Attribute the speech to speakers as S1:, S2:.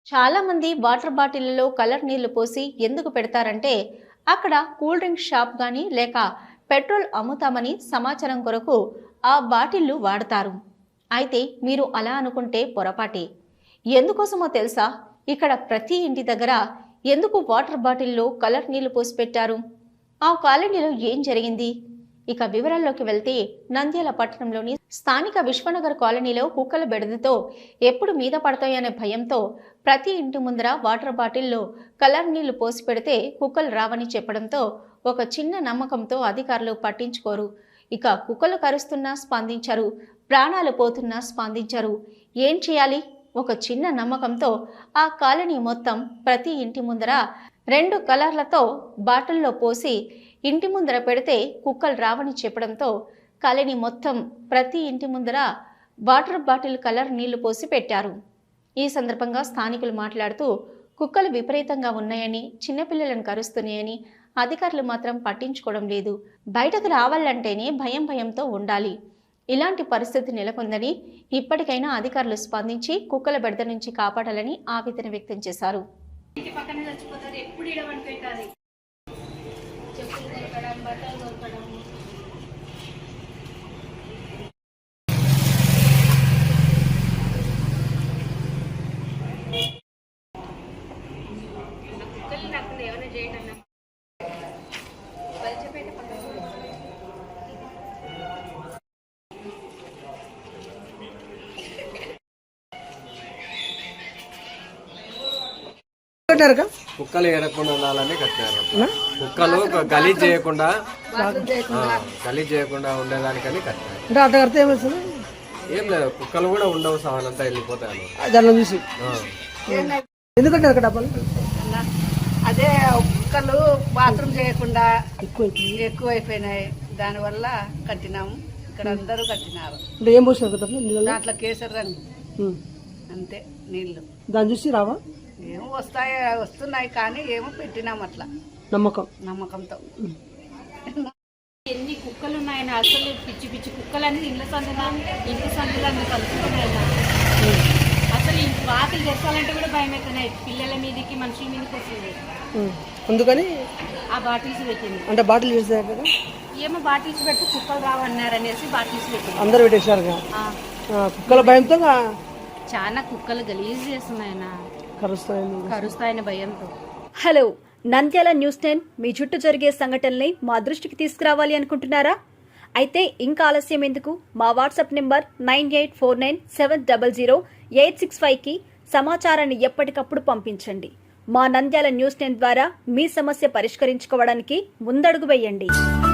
S1: చాలా మంది water బాటిళ్లలో colour నీళ్లు పోసి ఎందుకు పెడతారంటే అక్కడ కూల్ డ్రింక్ షాప్ గాని లేక పెట్రోల్ అమ్ముతామని సమాచారం కొరకు ఆ బాటిళ్లు వాడతారు. అయితే మీరు అలా అనుకుంటే పొరపాటే. ఎందుకోసమో తెలుసా? ఇక్కడ ప్రతి ఇంటి దగ్గర ఎందుకు వాటర్ బాటిల్లో కలర్ నీళ్లు పోసి పెట్టారు? ఆ కాలనీలో ఏం జరిగింది? ఇక వివరాల్లోకి వెళ్తే నంద్యాల పట్టణంలోని స్థానిక విశ్వనగర్ కాలనీలో కుక్కల బెడదతో ఎప్పుడు మీద పడతాయనే భయంతో ప్రతి ఇంటి ముందర వాటర్ బాటిల్లో కలర్ నీళ్లు పోసి పెడితే కుక్కలు రావని చెప్పడంతో ఒక చిన్న నమ్మకంతో అధికారులు పట్టించుకోరు. ఇక కుక్కలు కరుస్తున్నా స్పందించరు, ప్రాణాలు పోతున్నా స్పందించరు. ఏం చేయాలి? ఒక చిన్న నమ్మకంతో ఆ కాలనీ మొత్తం ప్రతి ఇంటి ముందర 2 కలర్లతో బాటిల్లో పోసి ఇంటి ముందర పెడితే కుక్కలు రావని చెప్పడంతో కాలనీ మొత్తం ప్రతి ఇంటి ముందర వాటర్ బాటిల్ కలర్ నీళ్లు పోసి పెట్టారు. ఈ సందర్భంగా స్థానికులు మాట్లాడుతూ కుక్కలు విపరీతంగా ఉన్నాయని, చిన్నపిల్లలను కరుస్తున్నాయని, అధికారులు మాత్రం పట్టించుకోవడం లేదు. బయటకు రావాలంటేనే భయంతో ఉండాలి. ఇలాంటి పరిస్థితి నెలకొందని, ఇప్పటికైనా అధికారులు స్పందించి కుక్కల బెడద నుంచి కాపాడాలని ఆవేదన వ్యక్తం చేశారు.
S2: ఇంటి పక్కనే చచ్చిపోతారు, ఎప్పుడు ఇడవని పెట్టాలి. చెప్పులు దొరకడం, బట్టలు దొరకడం. కుక్కలు నాకు ఏమైనా చేయండి అన్న బలిచపేట పక్కన
S3: కుక్కలు ఏరకుండా ఉండాలని కట్టారు. కుక్కలు గలీజ్ చేయకుండా ఉండేదానికని కట్టారు. ఏం లేదు, కుక్కలు కూడా ఉండవు, సవాలంతా వెళ్ళిపోతాయి
S4: చూసి. ఎందుకంటే
S2: అదే కుక్కలు బాత్రూమ్ చేయకుండా ఎక్కువైపోయినాయి, దానివల్ల కట్టినాము. ఇక్కడ అందరూ కట్టినారు.
S4: ఏం పోసినారు
S2: దాంట్లో కేసరి రంగు అంతే నీళ్లు.
S4: దాన్ని చూసి రావా?
S2: ఏమో వస్తున్నాయి కానీ ఏమో పెట్టినాం అట్లా నమ్మకంతో. ఎన్ని కుక్కలు ఉన్నాయని అసలు పిచ్చి పిచ్చి కుక్కలన్నీ ఇంటి సందులో కలుసుకున్నాయి. అసలు వాకిలు తెచ్చాలంటే కూడా భయం అవుతున్నాయి. పిల్లల మీదకి మనుషుల మీదకి వస్తుంది.
S4: అందుకని
S2: ఆ బాటిల్స్ పెట్టింది.
S4: అంటే బాటిల్ చేస్తారు కదా,
S2: ఏమో బాటిల్స్ పెట్టి కుక్కలు రావన్నారు అనేసి బాటిల్స్ పెట్టింది.
S4: అందరు పెట్టేశారు కుక్కల భయంతో.
S2: చాలా కుక్కలు గలీజ్ చేస్తున్నాయన, కరుస్తాయని భయంతో.
S5: హలో, నంద్యాల న్యూస్ 10 మీ చుట్టూ జరిగే సంఘటనల్ని మా దృష్టికి తీసుకురావాలి అనుకుంటున్నారా? అయితే ఇంకా ఆలస్యం ఎందుకు? మా వాట్సాప్ నెంబర్ 9849700865కి సమాచారాన్ని ఎప్పటికప్పుడు పంపించండి. మా నంద్యాల న్యూస్ 10 ద్వారా మీ సమస్య పరిష్కరించుకోవడానికి ముందడుగు వేయండి.